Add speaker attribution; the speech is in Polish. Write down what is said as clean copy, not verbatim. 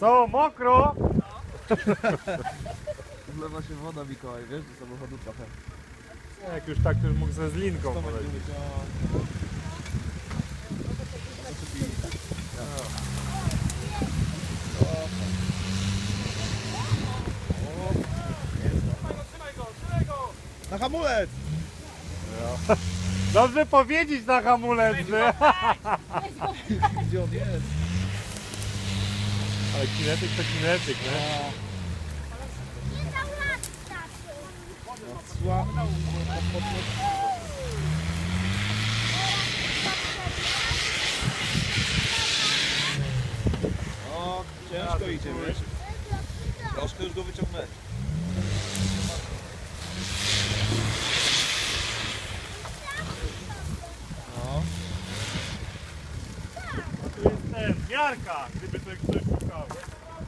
Speaker 1: Co, mokro?
Speaker 2: Wlewa się woda, Mikołaj, wiesz, do samochodu trochę.
Speaker 1: Jak już tak, to już mógł ze zlinką polecieć.
Speaker 2: Na hamulec!
Speaker 1: Dobrze powiedzieć na hamulec, że...
Speaker 2: Gdzie on jest?
Speaker 1: Ale kinetyk to kinetyk, nie?
Speaker 2: O, ciężko idzie, wiesz? Troszkę już go wyciągnąć. No.
Speaker 1: Tu jest ten, miarka, gdyby to ktoś szukał.